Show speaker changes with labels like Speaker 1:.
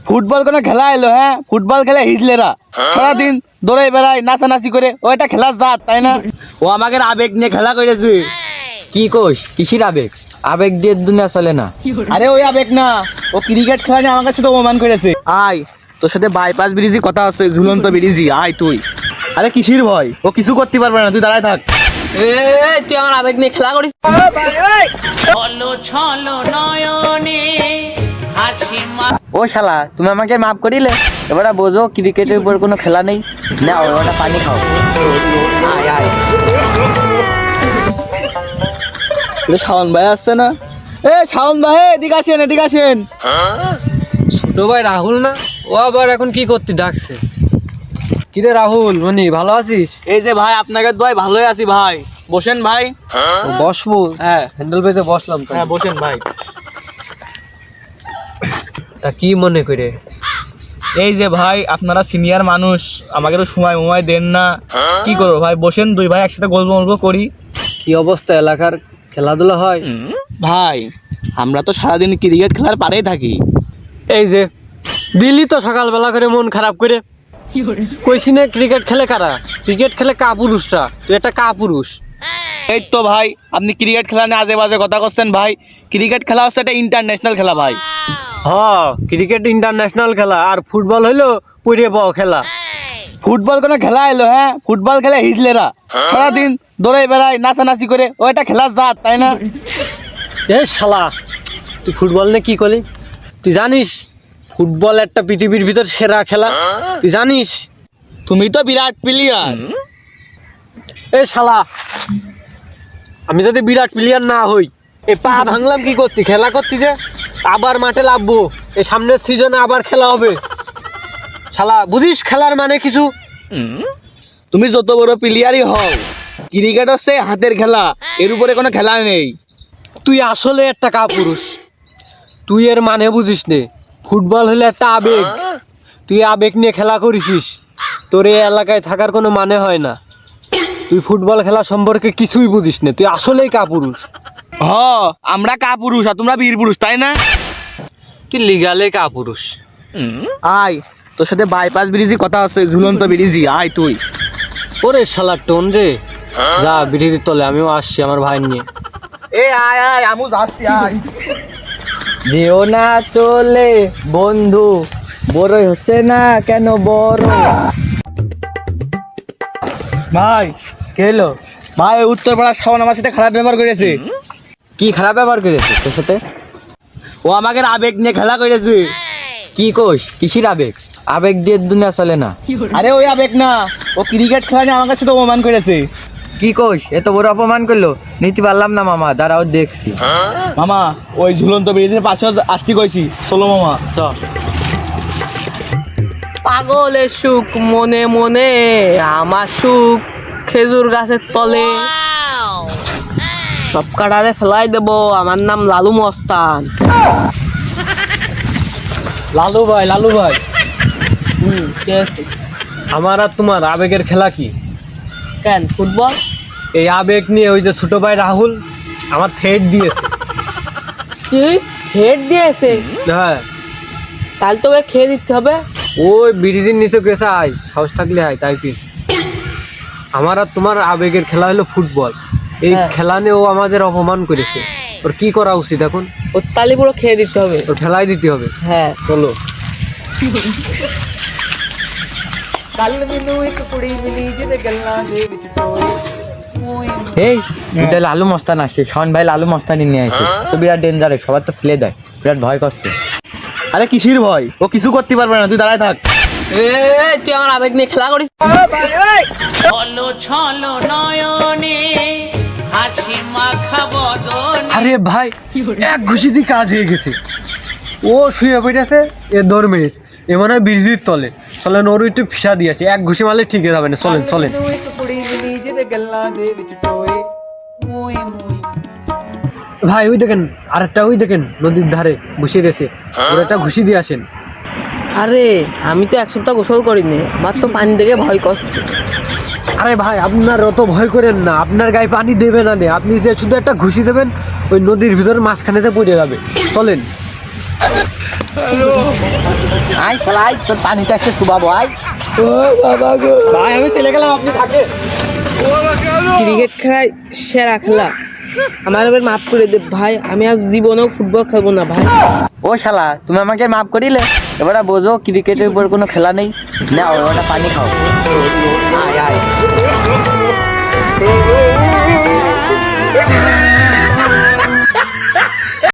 Speaker 1: Football কোনো খেলা এলো? হ্যাঁ, ফুটবল খেলে হিজলেরা সারাদিন দৌড়ে বেড়ায়, নাচানাচি করে। ও এটা খেলার জাত, তাই না? ও আমাকে আবেগ নিয়ে খেলা করেছে।
Speaker 2: কি কোষ? কিসির আবেগ? আবেগ দিয়ে দুনিয়া চলে না।
Speaker 1: আরে ওই আবেগ না, ও ক্রিকেট খেলা নিয়ে আমাকে শুধু অপমান করেছে। আয়, তোর সাথে বাইপাস ব্রিজে কথা আছে, ঝুলন্ত ব্রিজে। আয় তুই। আরে কিসির ভয়? ও কিছু করতে পারবে না, তুই দাঁড়ায় থাক।
Speaker 3: তুই আমার আবেগ নিয়ে খেলা করিস।
Speaker 2: ও শালা, তুমি আমাকে মাফ করিলে? এবারে বোঝো ক্রিকেটের উপর কোনো খেলা নেই। না, ওটা পানি খাও। আয় আয়।
Speaker 1: শাওন ভাই আসছে না? শাওন ভাই, এদিকে আসেন, এদিকে আসেন।
Speaker 4: ছোট ভাই রাহুল না? ও আবার এখন কি করতে ডাকছে? কিরে রাহুল, মনি ভালো আছিস?
Speaker 1: এই যে ভাই, আপনাকে দোয়ায় ভালোই আছি ভাই। বসেন ভাই।
Speaker 4: বসবো?
Speaker 1: হ্যাঁ
Speaker 4: হ্যান্ডেল পেতে বসলাম তো।
Speaker 1: হ্যাঁ, বসেন ভাই।
Speaker 4: তা কি মনে করে?
Speaker 1: এই যে ভাই, আপনারা সিনিয়র মানুষ, আমাকে তো সময় দেন না। কি করবো ভাই, বসেন, দুই ভাই একসাথে গল্প করি।
Speaker 4: কি অবস্থা এলাকার? খেলাধুলা হয়?
Speaker 1: ভাই, আমরা তো সারাদিন ক্রিকেট খেলার পারেই থাকি।
Speaker 4: এই যে দিল্লি তো সকালবেলা করে মন খারাপ করে কইছি না ক্রিকেট খেলে কারা? ক্রিকেট খেলে কাপুরুষরা। তুই একটা কাপুরুষ।
Speaker 1: এই তো ভাই, আপনি ক্রিকেট খেলা নিয়ে আজে বাজে কথা করছেন ভাই। ক্রিকেট খেলা হচ্ছে একটা ইন্টারন্যাশনাল খেলা ভাই।
Speaker 4: ক্রিকেট ইন্টারন্যাশনাল খেলা, আর ফুটবল হইলো পুরে বড় খেলা।
Speaker 1: ফুটবল কোনো খেলা এলো? হ্যাঁ, ফুটবল খেলে হিজলেরা সারাদিন দৌড়ে বেড়ায়, নাচানাচি করে। ও এটা খেলার জাত, তাই না?
Speaker 4: এ শালা, তুই ফুটবল নিয়ে কি করলি? তুই জানিস ফুটবল একটা পৃথিবীর ভিতর সেরা খেলা? তুই জানিস?
Speaker 1: তুমি তো বিরাট প্লেয়ার।
Speaker 4: এ শালা, আমি যদি বিরাট প্লেয়ার না হই, এই পা ভাঙলাম কি করতি? খেলা করতি যে আবার মাঠে লাভবো, এই সামনের সিজনে আবার খেলা হবে। শালা বুঝিস খেলার মানে কিছু?
Speaker 1: তুমি যত বড় প্লেয়ারই হও, ক্রিকেট হচ্ছে হাতের খেলা, এর উপরে কোনো খেলা নেই।
Speaker 4: তুই আসলে একটা কাপুরুষ। তুই এর মানে বুঝিস নে। ফুটবল হলে একটা আবেগ। তুই আবেগ নিয়ে খেলা করিস, তোর এই এলাকায় থাকার কোনো মানে হয় না। তুই ফুটবল খেলা সম্পর্কে কিছুই বুঝিস না। তুই আসলেই কাপুরুষ।
Speaker 1: আমরা কাপুরুষ আর তোমরা বীর পুরুষ, তাই না?
Speaker 4: তুই লিগালে কাপুরুষ।
Speaker 1: আয়, তোর সাথে বাইপাস ব্রিজে কথা আছে, ঝুলন্ত ব্রিজে। আয় তুই।
Speaker 4: ওরে শালা টোন রে, যা বিড়ির তলে, আমিও আসছি আমার ভাই নিয়ে।
Speaker 1: আয় আয়, আমু যাচ্ছি, আয়।
Speaker 2: যেও না চলে বন্ধু, বড়ই হচ্ছে না কেন বড়?
Speaker 1: ভাই,
Speaker 2: কে এলো?
Speaker 1: ভাই উত্তরপাড়ার শাওন আমার সাথে খারাপ ব্যবহার করেছে।
Speaker 2: কি খারাপ ব্যবহার করেছে তোর সাথে?
Speaker 1: ও আমাকে আবেগ নিয়ে খেলা করেছে।
Speaker 2: কি কোষ? কিসির আবেগ? আবেগ দিয়ে দুনিয়া চলে না।
Speaker 1: আরে ওই আবেগ না, ও ক্রিকেট খেলা নিয়ে আমাকে শুধু অপমান করেছে।
Speaker 2: কি কোষ? এত বড় অপমান করলো? নিতে পারলাম না মামা, দাঁড়াও দেখছি।
Speaker 1: মামা, ওই ঝুলন্ত ব্রিজের পাশে আসতে কইছি, চলো মামা।
Speaker 3: পাগলের সুখ মনে মনে, আমার সুখ খেজুর গাছের তলে। সব কাটারে ফেলাই দেবো, আমার নাম লালু মস্তান।
Speaker 4: লালু ভাই, লালু ভাই,
Speaker 3: কে আছে?
Speaker 4: আমার আর তোমার আবেগের খেলা কি?
Speaker 3: কেন ফুটবল?
Speaker 4: এই আবেগ নিয়ে ওই যে ছোট ভাই রাহুল আমার থ্রেট দিয়েছে।
Speaker 3: তুই হেড দিয়েছে?
Speaker 4: হ্যাঁ,
Speaker 3: তাহলে তোকে খেয়ে দিতে হবে।
Speaker 4: ওই ব্রিজের নিচে গেছে, আয় সাহস থাকলে আয়, তাই কি? আমার আর তোমার আবেগের খেলা হলো ফুটবল। এই
Speaker 3: হ্যাঁ।
Speaker 4: খেলা নিয়ে ও আমাদের অপমান করেছে। ওর কি করা উচিত এখন?
Speaker 3: ওর তালি পুরো খেয়ে দিতে হবে।
Speaker 4: ওর ফেলাই দিতে হবে।
Speaker 3: হ্যাঁ,
Speaker 4: চলো।
Speaker 2: এই এটা লালু মস্তান আসছে, শাওন ভাই লালু মস্তানি নিয়ে আসে তো বিরাট ডেঞ্জারাস, সবার তো ফেলে দেয়, বিরাট ভয় করছে।
Speaker 1: আরে কিসির ভয়? ও কিছু করতে পারবে না, তুই দাঁড়ায় থাক।
Speaker 3: তুই আমার আবেগ নিয়ে খেলা করিস।
Speaker 4: আরে ভাই, এক ঘুষি দিয়ে কাজ হয়ে গেছে। ও শুয়ে পড়েছে, এ দৌড় মেরেছে। এ মনে হয় ব্রিজের তলে। চলেন ওর একটু ফিসা দিয়ে আসি, এক ঘুষি মারলে ঠিক যাবে না। চলেন চলেন। ভাই ওই দেখেন, আরেকটা ওই দেখেন নদীর ধারে বসে রয়েছে, ওর একটা ঘুষি দিয়ে আসেন।
Speaker 3: আরে আমি তো এক সপ্তাহ গোসল করিনি, আমার তো পানি দেখে ভয় করছে।
Speaker 4: আরে ভাই, আপনার অত ভয় করেন না, আপনার গায়ে পানি দেবে না, আপনি যে শুধু একটা ঘুষি দেবেন, ওই নদীর ভিতরে মাঝখানেতে পড়ে যাবে। চলেন।
Speaker 2: আয় শালা আয়, তোর পানিটা একটু চুবাবো আয়।
Speaker 1: ভাই আমি চলে গেলাম, আপনি থাকে।
Speaker 3: ক্রিকেট খেলায় সেরা খেলা, আমার এবার মাফ করে দে ভাই, আমি আজ জীবনেও ফুটবল খেলবো না ভাই।
Speaker 2: ও শালা, তুমি আমাকে মাফ করিলে, এবারে বোঝো ক্রিকেটের উপর কোনো খেলা নেই। না ওটা পানি খাও। আয় আয়।